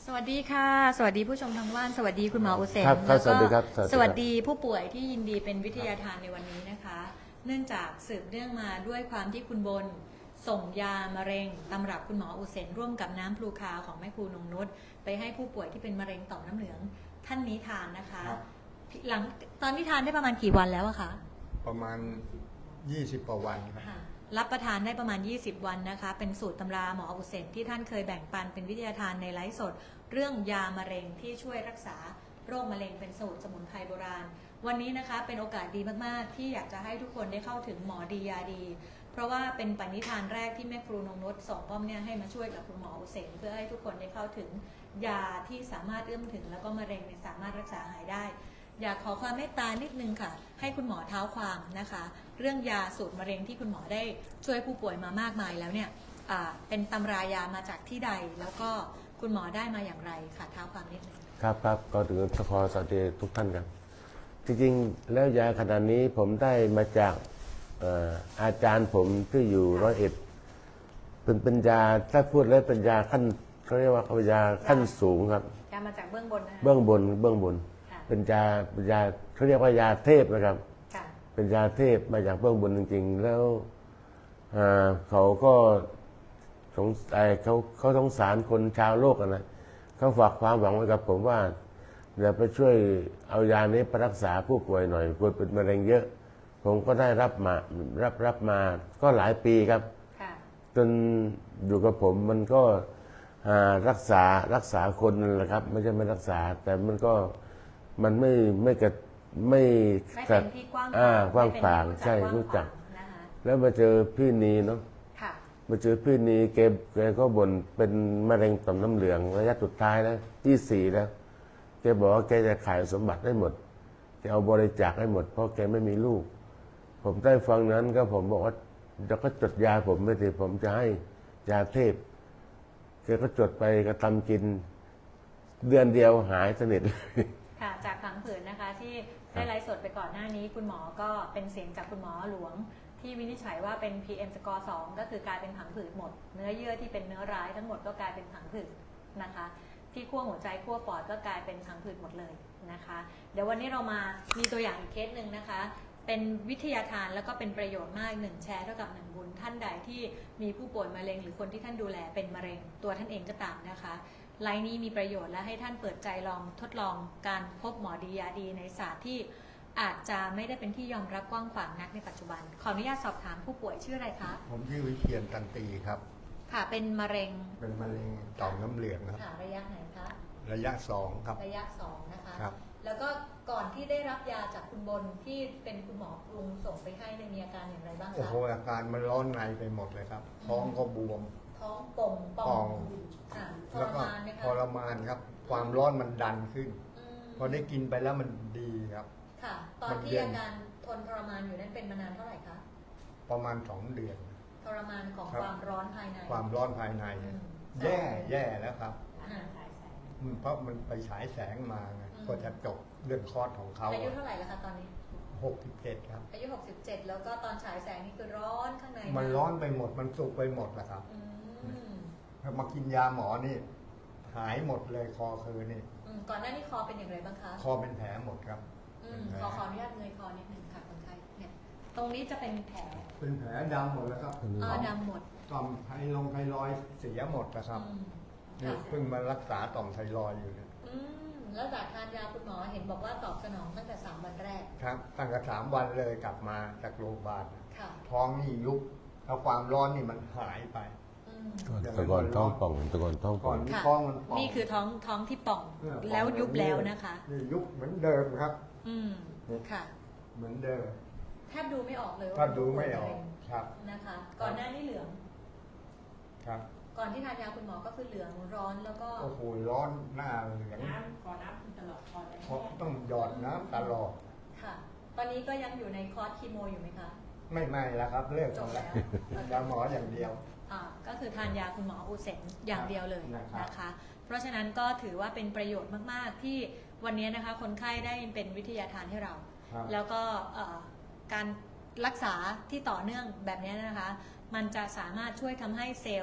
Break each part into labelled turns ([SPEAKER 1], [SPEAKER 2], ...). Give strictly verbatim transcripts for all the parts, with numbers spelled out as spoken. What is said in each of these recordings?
[SPEAKER 1] สวัสดีค่ะสวัสดีผู้ชมทางบ้านสวัสดีคุณหมออุเซน
[SPEAKER 2] ครับครับสวัสดีครับสวัสดีครับ
[SPEAKER 1] สวัสดีผู้ป่วยที่ยินดีเป็นวิทยาทานในวันนี้นะคะ เนื่องจากสืบเนื่องมาด้วยความที่คุณบนส่งยามะเร็งตำรับคุณหมออุเซนร่วมกับน้ำพลูคาวของแม่ครูนงนุชไปให้ผู้ป่วยที่เป็นมะเร็งต่อมน้ำเหลืองท่านนี้ทานนะคะหลังตอนที่ทานได้ประมาณกี่วันแล้วอะคะ
[SPEAKER 3] ประมาณยี่สิบกว่าวันครับ
[SPEAKER 1] รับประทานได้ประมาณยี่สิบวันนะคะเป็นสูตรตำราหมออุเซนที่ท่านเคยแบ่งปันเป็นวิทยาทานในไลฟ์สดเรื่องยามะเร็งที่ช่วยรักษาโรคมะเร็งเป็นสูตรสมุนไพรโบราณวันนี้นะคะเป็นโอกาสดีมากๆที่อยากจะให้ทุกคนได้เข้าถึงหมอดียาดีเพราะว่าเป็นปณิธานแรกที่แม่ครูนงนุชส่งป้อมเนี่ยให้มาช่วยกับคุณหมออุเซนเพื่อให้ทุกคนได้เข้าถึงยาที่สามารถเอื้อมถึงแล้วก็มะเร็งเนี่ยสามารถรักษาหายได้อยากขอความเมตตานิดนึงค่ะให้คุณหมอเท้าความนะคะเรื่องยาสูตรมะเร็งที่คุณหมอได้ช่วยผู้ป่วยมามากมายแล้วเนี่ยเป็นตำรายามาจากที่ใดแล้วก็คุณหมอได้มาอย่างไรค่ะเท้าความนิดนึง
[SPEAKER 2] ครับครับก็ถือขอสวัสดีทุกท่านครับจริงๆแล้วยาขนาดนี้ผมได้มาจากอาจารย์ผมที่อยู่ร้อยเอ็ดเป็นปัญญาถ้าพูดแล้วปัญญาขั้นเขาเรียกว่าปัญญาขั้นสูงครับ
[SPEAKER 1] ยามาจากเบื้องบนนะคะ
[SPEAKER 2] เบื้องบนเบื้องบนเป็นยาเป็นยาเขาเรียกว่ายาเทพนะครับเป็นยาเทพมาจากเบื้องบนจริงๆแล้วเขาก็สงสัยเขาเขาสงสารคนชาวโลกนะเขาฝากความหวังไว้กับผมว่าเดี๋ยวไปช่วยเอายานี้ไปรักษาผู้ป่วยหน่อยป่วยเป็นมะเร็งเยอะผมก็ได้รับมารับรับมาก็หลายปีครับจนอยู่กับผมมันก็รักษารักษาคนนั่นแหละครับไม่ใช่ไม่รักษาแต่มันก็มันไม่ไม่กระไม่
[SPEAKER 1] ไม่เป็นที่กว้าง
[SPEAKER 2] กว้างขวางใช่รู้จักแล้วมาเจอพี่นีเนาะมาเจอพี่นีแกแกก็บ่นเป็นมะเร็งต่อมน้ำเหลืองระยะสุดท้ายแล้วที่สี่แล้วแกบอกว่าแกจะขายสมบัติได้หมดจะเอาบริจาคให้หมดเพราะแกไม่มีลูกผมได้ฟังนั้นก็ผมบอกว่าจะก็จดยาผมไม่ได้ผมจะให้ยาเทพแกก็จดไปก็ทำกินเดือนเดียวหายสนิทเลย
[SPEAKER 1] ค่ะจากผังผืดนะคะที่ได้ไลฟ์สดไปก่อนหน้านี้คุณหมอก็เป็นเสียงจากคุณหมอหลวงที่วินิจฉัยว่าเป็น พี เอ็ม สกอร์ สองก็คือกลายเป็นผังผืดหมดเนื้อเยื่อที่เป็นเนื้อร้ายทั้งหมดก็กลายเป็นผังผืดนะคะที่ขั้วหัวใจขั้วปอดก็กลายเป็นผังผืดหมดเลยนะคะเดี๋ยววันนี้เรามามีตัวอย่างอีกเคสหนึ่งนะคะเป็นวิทยาทานแล้วก็เป็นประโยชน์มากหนึ่งแชร์เท่ากับหนึ่งบุญท่านใดที่มีผู้ป่วยมะเร็งหรือคนที่ท่านดูแลเป็นมะเร็งตัวท่านเองก็ตามนะคะไลน์นี้มีประโยชน์และให้ท่านเปิดใจลองทดลองการพบหมอดียาดีในศาสตร์ที่อาจจะไม่ได้เป็นที่ยอมรับกว้างขวางนักในปัจจุบันขออนุญาตสอบถามผู้ป่วยชื่ออะไรคะ
[SPEAKER 3] ผมชื่อวิเชียรตันตีครับ
[SPEAKER 1] ค่ะเป็นมะเร็ง
[SPEAKER 3] เป็นมะเร็งต่อมน้ำเหลืองครับ
[SPEAKER 1] ค่ะระยะไหนคะ
[SPEAKER 3] ระยะสองครับ
[SPEAKER 1] ระยะสองนะคะ
[SPEAKER 3] ครับ
[SPEAKER 1] แล้วก็ก่อนที่ได้รับยาจากคุณบนที่เป็นคุณหมอปรุงส่งไปให้ในมีอาการอย่างไรบ้างคะ
[SPEAKER 3] โอ้โหอาการมันร้อนในไปหมดเลยครับท้องก็บวม
[SPEAKER 1] ท้องป่องป่องทรมานไหมคะ
[SPEAKER 3] ทรมานครับความร้อนมันดันขึ้นพอได้กินไปแล้วมันดีครับ
[SPEAKER 1] ค่ะตอนที่อาการทนทรมานอยู่นั้นเป็นมานานเท่าไหร่คะ
[SPEAKER 3] ประมาณสองเดือน
[SPEAKER 1] ทรมานของความร้อนภายใน
[SPEAKER 3] ความร้อนภายในแย่แย่แล้วครับเพราะมันไปฉายแสงมาไงก็จะจบเรื่องคลอดของเขา
[SPEAKER 1] อายุเท่าไหร่แล้วคะตอนนี้
[SPEAKER 3] หกสิบเจ็ดครับ
[SPEAKER 1] อายุหกสิบเจ็ดแล้วก็ตอนฉายแสงนี่คือร้อนข้างใน
[SPEAKER 3] มันร้อนไปหมดมันสุกไปหมดแหละครับมากินยาหมอนี่หายหมดเลยคอคือนี่
[SPEAKER 1] ก่อนหน้านี้คอเป็นอย่างไรบ้างคะ
[SPEAKER 3] คอเป็นแผลหมดครับ
[SPEAKER 1] ขอขออนุญาตเงยคอนิดหนึ่งค่ะคนไข้เนี่ยตรงนี้จะเป็นแผล
[SPEAKER 3] เป็นแผลดำหมดแล้วครับ
[SPEAKER 1] อ๋อดำหมด
[SPEAKER 3] ต่อมไทลงไทรอยเสียหมดนะครับนี่เพิ่งมารักษาต่อมไทรอยอยู่เนี่ย
[SPEAKER 1] แล้วจากทานยาคุณหมอเห็นบอกว่าตอบสนองตั้งแต่สามวันแรก
[SPEAKER 3] ครับตั้งแต่สามวันเลยกลับมาจากโรงพยาบาลท้องนี่ยุบแล้วความร้อนนี่มันหายไป
[SPEAKER 2] ตะกอนท้องป่องตะกอนท้องป่อง
[SPEAKER 3] ท้องมัน
[SPEAKER 1] นี่คือท้องท้องที่ป่องแล้วยุบแล้วนะคะ
[SPEAKER 3] นี่ยุบเหมือนเดิมครับ
[SPEAKER 1] อืมค่ะ
[SPEAKER 3] เหมือนเดิม
[SPEAKER 1] แทบดูไม่ออกเลย
[SPEAKER 3] แทบดูไม่ออกครับ
[SPEAKER 1] นะคะก่อนหน้านี้เหลือง
[SPEAKER 3] ครับ
[SPEAKER 1] ก่อนที่ทานยาคุณหมอก็คือเหลืองร้อนแล้วก็
[SPEAKER 3] โอ้โหร้อนหน้าเหลือง
[SPEAKER 1] น้ำขอน้ำตลอดคอร์
[SPEAKER 3] สต้องหยอดน้ำตลอด
[SPEAKER 1] ค่ะตอนนี้ก็ยังอยู่ในคอร์สคีโมอยู่ไหมคะ
[SPEAKER 3] ไม่ไม่แล้วครับเลิกแล้วยาหมออย่างเดียว
[SPEAKER 1] อ่าก็คือทานยาคุณหมออุเซนอย่างเดียวเลยนะคะเพราะฉะนั้นก็ถือว่าเป็นประโยชน์มากๆที่วันนี้นะคะคนไข้ได้เป็นวิทยาทานให้เราแล้วก็การรักษาที่ต่อเนื่องแบบนี้นะคะมันจะสามารถช่วยทำให้เซลล์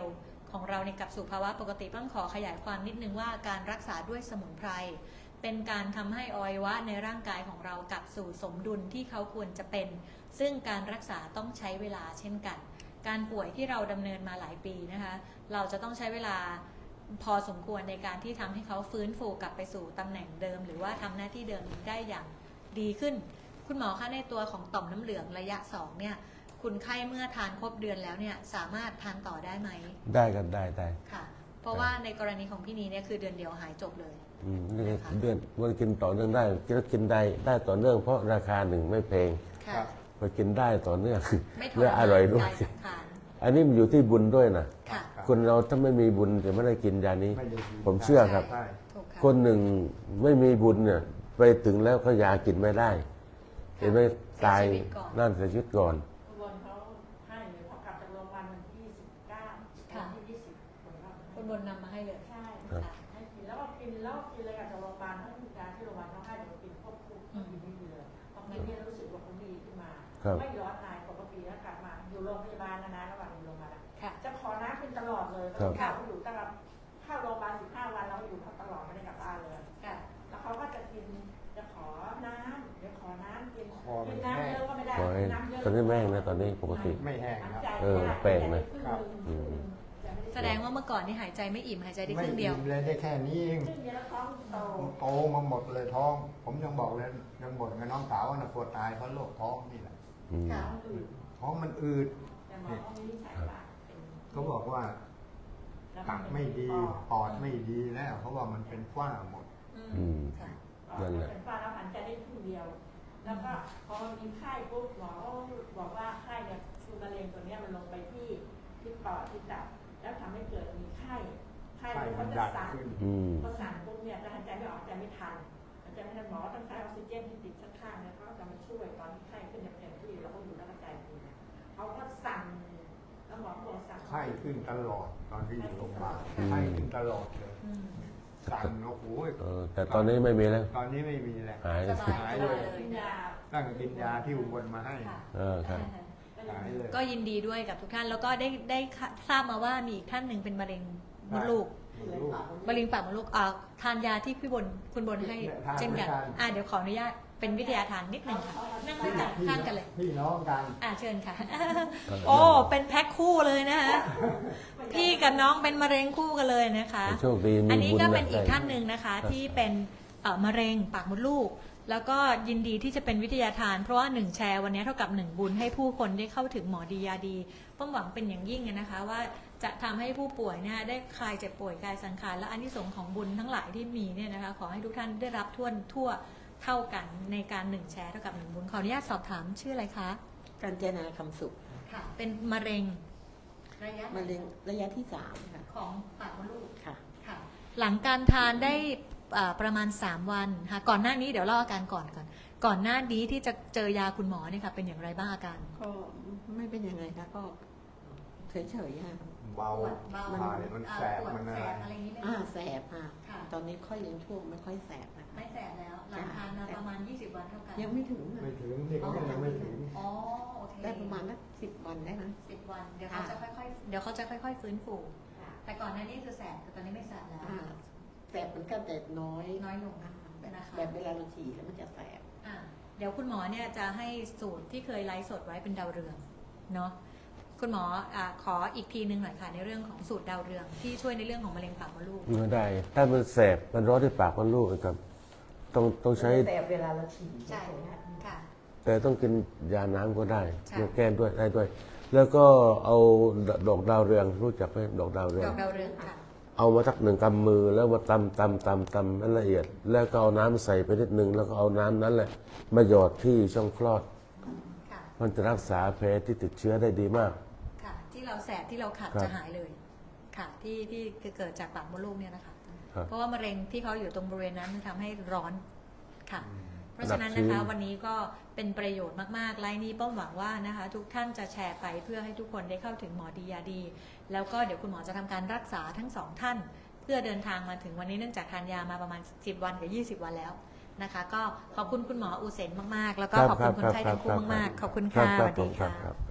[SPEAKER 1] ของเราในยกลับสู่ภาวะปกติต้องขอขยายความนิดนึงว่าการรักษาด้วยสมุนไพรเป็นการทำให้อวัยวะในร่างกายของเรากลับสู่สมดุลที่เขาควรจะเป็นซึ่งการรักษาต้องใช้เวลาเช่นกันการป่วยที่เราดำเนินมาหลายปีนะคะเราจะต้องใช้เวลาพอสมควรในการที่ทำให้เขาฟื้นฟูกลับไปสู่ตำแหน่งเดิมหรือว่าทำหน้าที่เดิมได้อย่างดีขึ้นคุณหมอคะในตัวของต่อมน้ำเหลืองระยะสองเนี่ยคุณไข้เมื่อทานครบเดือนแล้วเนี่ยสามารถทานต่อได้ไหม
[SPEAKER 2] ได้กันได้ได้
[SPEAKER 1] ค่ะเพราะว่าในกรณีของพี่นีเนี่ยคือเดือนเดียวหายจบเลย
[SPEAKER 2] อืมนี่เดือนมันกินต่อเนื่องได้กินกินได้ได้ต่อเนื่องเพราะราคาหนึ่งไม่แพง
[SPEAKER 1] ค่ะ
[SPEAKER 2] พอกินได้ต่อเนื่อง
[SPEAKER 1] ไม่ทร
[SPEAKER 2] และอ
[SPEAKER 1] มาน
[SPEAKER 2] ร่อยด้วย
[SPEAKER 1] กายสังขาร
[SPEAKER 2] อันนี้มันอยู่ที่บุญด้วยนะ
[SPEAKER 1] ค่ะ
[SPEAKER 2] คนเราถ้าไม่มีบุญจะไม่ได้กินยานี้
[SPEAKER 3] ไม่ได้กิน
[SPEAKER 2] ผมเชื่อครับ
[SPEAKER 3] ใช่
[SPEAKER 1] ถูกค่ะ
[SPEAKER 2] คนหนึ่งไม่มีบุญเนี่ยไปถึงแล้วเขายากินไม่ได้เห็นไหมตายนั่นเสียชีวิตก่อน
[SPEAKER 4] คุณบนเขาให้เลยพอกลับจากโรงพยาบาลวันที่ยี่สิบเก้า
[SPEAKER 1] ค่ะ
[SPEAKER 4] วันที่ยี่สิบคนรับ
[SPEAKER 1] คุณบนนำมาให้เลย
[SPEAKER 4] ใช่
[SPEAKER 2] ครับ
[SPEAKER 4] ค่ะให้กินแล้วก็กินแล้วก็กินเลยกับจากโรงพยาบาลทั้งยาที่โรงพยาบาลเขาให้เดี๋ยวกินควบคู่กินไม่เยอะพอกินเนี่ยรู้สึกว่าเขาดีขึ้นมา
[SPEAKER 2] ครับ
[SPEAKER 4] ไม่ย้อนนายปกติแล้วกลับมาอยู่โรงพยาบาลนานๆระหว่างอยู่โรงพยาบาลอะ
[SPEAKER 1] ค่ะ
[SPEAKER 4] จะขอน้ำกินตลอดเลย
[SPEAKER 2] ครับ
[SPEAKER 4] เขาอยู่ตั้งแต่เข้าโรงพยาบาลสิบห้าวันเราอยู่เขาตลอดไม่ได้กลับบ้านเลย
[SPEAKER 1] ค่ะ
[SPEAKER 4] แล้วเขาก็จะกินจะขอน้ำเดี๋ยวขอน้ำกิน
[SPEAKER 3] คอมั
[SPEAKER 4] กิ
[SPEAKER 3] น
[SPEAKER 4] นน้ำ
[SPEAKER 3] แห้ง
[SPEAKER 4] เยอะก็ไม่ได้
[SPEAKER 2] ขอให้
[SPEAKER 4] น้ำเยอะ
[SPEAKER 2] ตอนนี้แม่งนะตอนนี้ปกติ
[SPEAKER 3] ไม่แห้งครับ
[SPEAKER 2] เออแปลกนะ
[SPEAKER 3] ครับ
[SPEAKER 2] อืม
[SPEAKER 1] แสดงว่าเมื่อก่อนนี่หายใจไม่อิ่มหายใจได้ค
[SPEAKER 3] ไม่
[SPEAKER 1] รึ่งเดียว
[SPEAKER 3] อิ่มเลยได้แค่นี้เอง
[SPEAKER 4] ครึ่งเดียวแล้วท้องโต
[SPEAKER 3] โตมาหมดเลยท้อง ผมยังบอกเลยยังบ่นกับน้องสาวว่าน่ะปวดตายเพราะโรคท้องนี่แหละ
[SPEAKER 2] อืม
[SPEAKER 4] ท้องอืด
[SPEAKER 3] ท้องมันอืด
[SPEAKER 4] แต่หมอเขาวินิจฉัยว่าเป็น
[SPEAKER 3] เขาบอกว่า
[SPEAKER 4] แล้ว
[SPEAKER 3] ตับไม่ดี
[SPEAKER 4] ปอด
[SPEAKER 3] ปอดไม่ดีแล้วเขาว่ามันเป็นฝ้าหมด
[SPEAKER 2] อืม
[SPEAKER 1] ค่ะ
[SPEAKER 2] นั่นแหละ
[SPEAKER 4] เป็นฝ้าแล้วหันใจได้ครึ่งเดียว แล้วก็พอมีไข้ปุ๊บหมอบอกว่าไข้เนี่ยคือมะเร็งตัวเนี้ยมันลงไปที่ที่ปอดที่ตับแล้วทำให้เกิดมีไข้ไข้
[SPEAKER 3] ไข้
[SPEAKER 4] เนี่ย
[SPEAKER 3] มั
[SPEAKER 4] เขา
[SPEAKER 3] น
[SPEAKER 4] จะ
[SPEAKER 3] ดัน
[SPEAKER 4] สั่น
[SPEAKER 3] ขึ้น
[SPEAKER 2] อืม
[SPEAKER 4] พอสั่นปุ๊บเนี่ยจะหายใจไม่ออกหายใจไม่ทันหายใจไม่ทันหมอต้องใช้ออกซิเจนที่ติดข้างๆเนี่ยเขาจะมาช่วยตอนที่ไข้ขึ้นอย่างเต็มที่แล้วก็อยู่แล้วก็ใจดีนะเขาก็สั่นแล้วหมอก็บอกสั่น
[SPEAKER 3] ไข้ขึ้นตลอดตอนที่อยู่โรงพยาบาล
[SPEAKER 2] อืม
[SPEAKER 3] ไข้ขึ้นตลอดเลย
[SPEAKER 1] อืม
[SPEAKER 3] สั่นโอ้โห
[SPEAKER 2] เออแต่ตอนนี้ไม่มีแล้ว
[SPEAKER 3] ตอนนี้ไม่มีแล้ว
[SPEAKER 2] หาย
[SPEAKER 1] สบาย
[SPEAKER 3] หาย
[SPEAKER 1] เล
[SPEAKER 3] เลย ย
[SPEAKER 4] กินยา
[SPEAKER 3] ตั้งแต่กินยาที่อุบลมาให้
[SPEAKER 1] ค่ะ
[SPEAKER 2] เออครับ
[SPEAKER 3] หายเลย
[SPEAKER 1] ก็ยินดีด้วยกับทุกท่าน แล้วก็ได้ได้ทราบมาว่ามีอีกท่านหนึ่งเป็นมะเร็งมดลูก
[SPEAKER 3] ลูก
[SPEAKER 1] มะเร็งปากมดลูกอ่าทานยาที่พี่บนคุณบนให้
[SPEAKER 3] เนี่ยทาน
[SPEAKER 1] เช่นกัน
[SPEAKER 3] ด้วยกัน
[SPEAKER 1] อ่าเดี๋ยวขออนุญาตเป็นวิทยาทานนิดหนึ่งค่ะนั่งด้วยกันข้างกันเลย
[SPEAKER 3] พี่น้องกัน
[SPEAKER 1] อ่าเชิญค่ะ โอ้เป็นแพ็คคู่เลยนะคะพี่กับน้องเป็นมะเร็งคู่กันเลยนะคะ
[SPEAKER 2] โชคดีมี
[SPEAKER 1] อันนี้
[SPEAKER 2] บุญ
[SPEAKER 1] ก็
[SPEAKER 2] นะ
[SPEAKER 1] เป็นอีก
[SPEAKER 2] ได้
[SPEAKER 1] ท่านหนึ่งนะคะที่เป็นเอ่อมะเร็งปากมดลูก แล้วก็ยินดีที่จะเป็นวิทยาทาน เพราะว่าหนึ่งแชร์วันนี้เท่ากับหนึ่งบุญให้ผู้คนได้เข้าถึงหมอดียาดีป้อมหวังเป็นอย่างยิ่งนะคะว่าจะทำให้ผู้ป่วยเนี่ยได้คลายเจ็บป่วยกายสังขารและอานิสงส์ของบุญทั้งหลายที่มีเนี่ยนะคะขอให้ทุกท่านได้รับทั่วทั่วเท่ากันในการหนึ่งแชร์เท่ากับหนึ่งบุญขออนุญาตสอบถามชื่ออะไรคะ
[SPEAKER 5] การเจนาคำสุข
[SPEAKER 1] ค่ะเป็นมะเร็งระยะ
[SPEAKER 5] มะเร็งระยะที่สามค่ะ
[SPEAKER 1] ของปากมดลูก
[SPEAKER 5] ค่ะ
[SPEAKER 1] ค่ะหลังการทานได้อ่าประมาณสามวันค่ะก่อนหน้านี้เดี๋ยวเล่าอาการก่อนก่อนก่อนหน้านี้ที่จะเจอยาคุณหมอเนี่ยค่ะเป็นอย่างไรบ้างอาการ
[SPEAKER 5] ก็ไม่เป็นยังไงคะก็เฉยๆค่ะ
[SPEAKER 3] เบา
[SPEAKER 1] ปวดเบา
[SPEAKER 3] ถ่ายมันแสบ
[SPEAKER 1] ปวด
[SPEAKER 3] มันอะ
[SPEAKER 1] แส
[SPEAKER 3] ไร
[SPEAKER 1] บอะไรอย่างนี้ไหม
[SPEAKER 5] อ่าแสบค่ะ
[SPEAKER 1] ค่ะ
[SPEAKER 5] ตอนนี้ค่อยยังช่วงไม่ค่อยแสบนะคะ
[SPEAKER 1] ไม่แสบแล้วหลังทานมาประมาณยี่สิบวันเท่ากัน
[SPEAKER 5] ยังไม่ถึงนะ
[SPEAKER 3] ไม่ถึงนี่เขาก็ยังไม่ถึง
[SPEAKER 1] อ๋อโอเค
[SPEAKER 5] ได้ประมาณสักสิบวันได้ไหม
[SPEAKER 1] สิบวันเดี๋ยวเขาจะค่อยๆเดี๋ยวเขาจะค่อย ๆ ฟื้นฟูแต่ก่อนหน้านี้คือแสบแต่ตอนนี้ไม่แสบแล้ว
[SPEAKER 5] อ่าแสบเหมือนกันแต่น้อย
[SPEAKER 1] น้อยลง
[SPEAKER 5] อ่าแบบ
[SPEAKER 1] นะคะ
[SPEAKER 5] แบบเวลาเราฉี่แล้วมันจะแสบ
[SPEAKER 1] อ่ะเดี๋ยวคุณหมอเนี่ยจะให้สูตรที่เคยไลฟ์สดไว้เป็นดาวเรืองเนาะคุณหมออ่ะขออีกทีนึงหน่อยค่ะในเรื่องของสูตรดาวเรืองที่ช่วยในเรื่องของมะเร็งปากมดลูก
[SPEAKER 2] ไม่ได้ ถ้ามันแสบมันร้อนที่ปากมันลูกนะครับ ต้องต้องใช้
[SPEAKER 5] แสบเวลาเราฉี่
[SPEAKER 1] ใช่
[SPEAKER 5] ค่ะ
[SPEAKER 1] ค่ะ
[SPEAKER 2] แต่ต้องกินยาน้ำก็ได้
[SPEAKER 1] ใช่
[SPEAKER 2] มาแก้ด้วยได้ด้วย แล้วก็เอาดอกดาวเรืองรู้จักไหมดอกดาวเรื
[SPEAKER 1] ด
[SPEAKER 2] อง
[SPEAKER 1] อกดาวเรืองค่ะ
[SPEAKER 2] เอามาสักหนึ่งกำมือแล้วมาตำตำตำตำให้ละเอียด แล้วก็เอาน้ำใส่ไปนิดนึงแล้วก็เอาน้ำนั้นแหละมาหยอดที่ช่องคลอด
[SPEAKER 1] ค่ะ
[SPEAKER 2] มันจะรักษาแผลที่ติดเชื้อได้ดีมาก
[SPEAKER 1] ค่ะ ที่เราแสบที่เราขัด
[SPEAKER 2] ครับ
[SPEAKER 1] จะหายเลย ค่ะ ที่ที่เกิดจากปากมดลูกเนี่ยนะคะ
[SPEAKER 2] ครับ
[SPEAKER 1] เพราะว่ามะเร็งที่เขาอยู่ตรงบริเวณนั้นมันทำให้ร้อนค่ะ เพราะฉะนั้น
[SPEAKER 2] อันดับ
[SPEAKER 1] นะคะ
[SPEAKER 2] ที่
[SPEAKER 1] วันนี้ก็เป็นประโยชน์มากๆไลน์นี้ป้อมหวังว่านะคะ ทุกท่านจะแชร์ไปเพื่อให้ทุกคนได้เข้าถึงหมอดียาดี แล้วก็เดี๋ยวคุณหมอจะทำการรักษาทั้งสองท่าน เพื่อเดินทางมาถึงวันนี้เนื่องจากทานยามาประมาณสิบวันกับยี่สิบวันแล้วนะคะ ก็ขอบคุณคุณหมออูเซนมากๆ แล้วก็ขอบคุณคนไข้ทั้งคู่มากๆขอบคุณค่ะสวัสดี
[SPEAKER 2] ครั
[SPEAKER 1] ค่ะ
[SPEAKER 2] บครับ